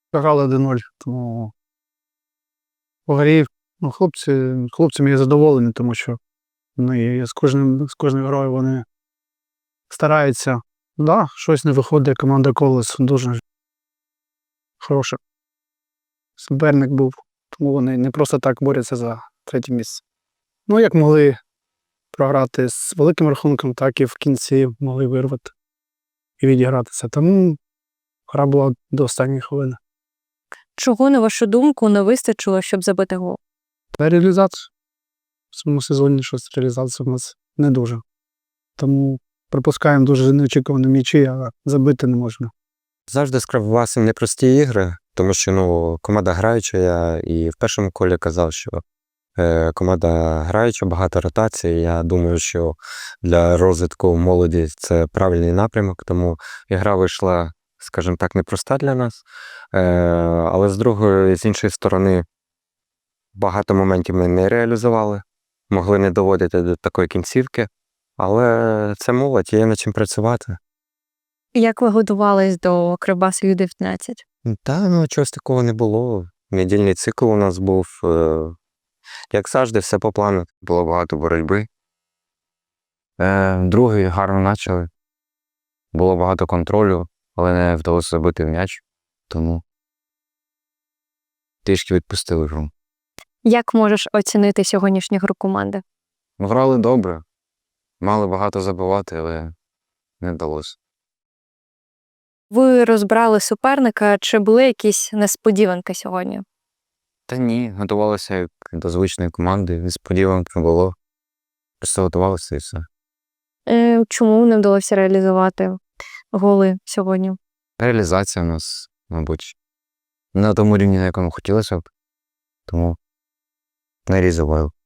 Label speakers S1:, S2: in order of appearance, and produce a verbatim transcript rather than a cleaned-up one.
S1: Програли один нуль, тому по грі, ну, хлопці, хлопцями я задоволений, тому що ну, і з кожним, з кожною грою вони стараються. Так, да, щось не виходить, команда Колос дуже хороша. Суперник був, тому вони не просто так борються за третє місце. Ну, як могли програти з великим рахунком, так і в кінці могли вирвати і відігратися. Тому гра була до останньої хвилини.
S2: Чого, на вашу думку, не вистачило, щоб забити гол?
S1: Та реалізація. В цьому сезоні щось реалізація в нас не дуже. Тому пропускаємо дуже неочікувані м'ячі, а забити не можна.
S3: Завжди скривалися непрості ігри, тому що ну, команда граюча, я і в першому колі казав, що е, команда граюча, багато ротацій. Я думаю, що для розвитку молоді це правильний напрямок, тому ігра вийшла, скажімо так, непроста для нас. Е, але з другої, з іншої сторони, багато моментів ми не реалізували, могли не доводити до такої кінцівки, але це молодь, є над чим працювати.
S2: Як ви готувались до Кривбасу Ю дев'ятнадцять?
S3: Та, ну, чогось такого не було. Недільний цикл у нас був, е, як завжди, все по плану. Було багато боротьби. Е, другий гарно почали. Було багато контролю, але не вдалося забити в м'яч, тому трішки відпустили гру.
S2: Як можеш оцінити сьогоднішню гру команди?
S3: Грали добре, мали багато забивати, але не вдалося.
S2: Ви розбрали суперника, чи були якісь несподіванки сьогодні?
S3: Та ні, готувалися як до звичної команди, несподіванки не було. Просто готувалися і все.
S2: Е, чому не вдалося реалізувати голи сьогодні?
S3: Реалізація у нас, мабуть, не на тому рівні, на якому хотілося б, тому не реалізували.